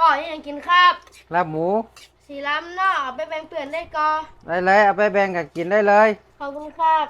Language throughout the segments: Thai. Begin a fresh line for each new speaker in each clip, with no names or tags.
ก่อยังกินครับ
ลาบหมู
สีล้ำเนาะเอาไปแบ่งเปลี่ยนได้ก่อ
ได้เลยเอาไปแบ่งกันกินได้เลย
ขอบคุณครับ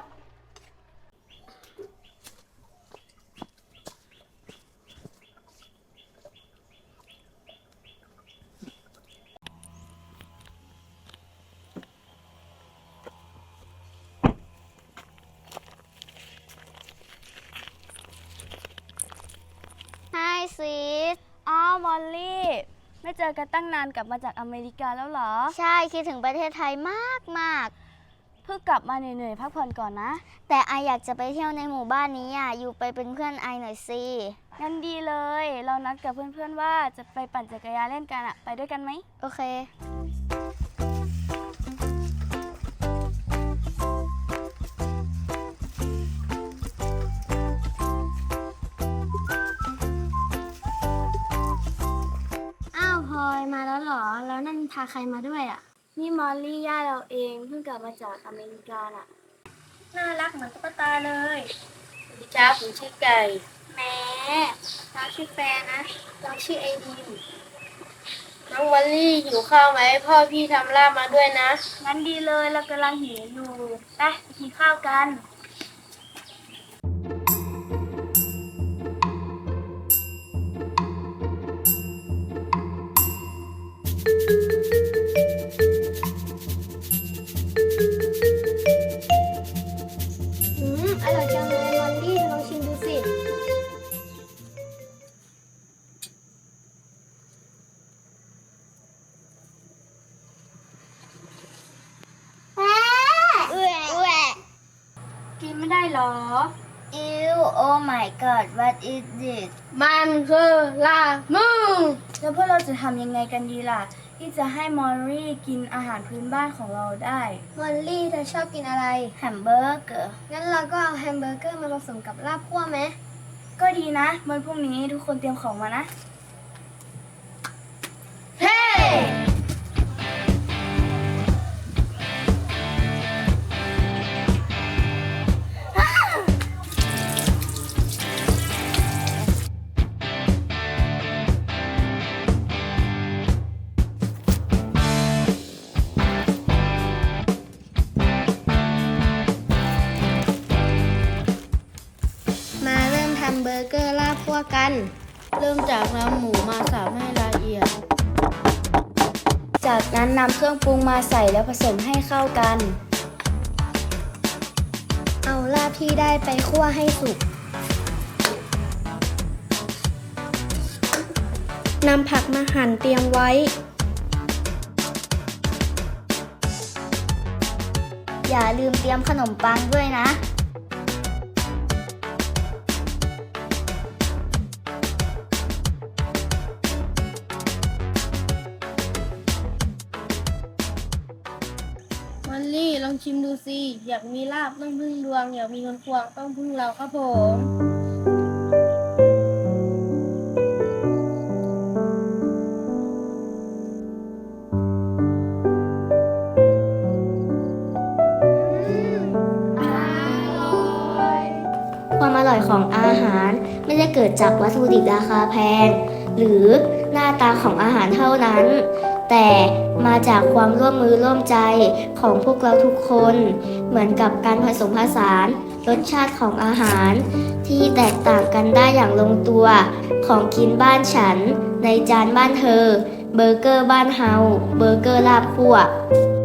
ไฮซีส
อ้าวมอลลี่ไม่เจอกันตั้งนานกลับมาจากอเมริกาแล้วเหรอ
ใช่คิดถึงประเทศไทยมากมาก
เพิ่งกลับมาเหนื่อยๆพักผ่อนก่อนนะ
แต่ไออยากจะไปเที่ยวในหมู่บ้านนี้อ่ะอยู่ไปเป็นเพื่อนไอหน่อยสิ
งั้นดีเลยเรานัดกับเพื่อนๆว่าจะไปปั่นจักรยานเล่นกันอะไปด้วยกันไหม
โอเคอ้าวพลอยมาแล้วเหรอแล้วนั่นพาใครมาด้วยอ่ะ
นี่มอลลี่ย่าเราเองเพิ่งกลับมาจากอเมริกาอะน่ารักเหมือนตุ๊กตาเลย
สวัสดีครับผมชื่อไก่
แม่เราชื่อแฟนนะเราชื่อไอดีม
น้องวันลี่หิวข้าวไหมพ่อพี่ทำลาบมาด้วยนะ
งั้นดีเลยเรากำลังหิวอยู่ไปกินข้าวกัน
อร่อยจังเลยมอลลี่ลองชิมดูสิแหว
กินไม่ได้หรอ
อิวโอ้ my god what is this
มันคือลาบหมู
แล้วพวกเราจะทำยังไงกันดีล่ะที่จะให้มอลลี่กินอาหารพื้นบ้านของเราได้
มอลลี่เธอชอบกินอะไรแฮมเบอร์เกอร์งั้นเราก็เอาแฮมเบอร์เกอร์มาผสมกับลาบคั่วไหม
ก็ดีนะวันพรุ่งนี้ทุกคนเตรียมของมานะ
เฮ้
มาเริ่มทำเบอร์เกอร์ลาบคั่วกัน
เริ่มจากนำหมูมาสับให้ละเอียด
จากนั้นนำเครื่องปรุงมาใส่แล้วผสมให้เข้ากัน
เอาลาบที่ได้ไปคั่วให้สุกนำผักมาหั่นเตรียมไว้อย่าลืมเตรียมขนมปังด้วยนะ
วันลี่ลองชิมดูสิอยากมีลาบต้องพึ่งดวงอยากมีเงินควงต้องพึ่งเราครับผม
ความอร่อยของอาหารไม่ได้เกิดจากวัตถุดิบราคาแพงหรือหน้าตาของอาหารเท่านั้นแต่มาจากความร่วมมือร่วมใจของพวกเราทุกคนเหมือนกับการผสมผสานรสชาติของอาหารที่แตกต่างกันได้อย่างลงตัวของกินบ้านฉันในจานบ้านเธอเบอร์เกอร์บ้านเฮาเบอร์เกอร์ลาบคั่ว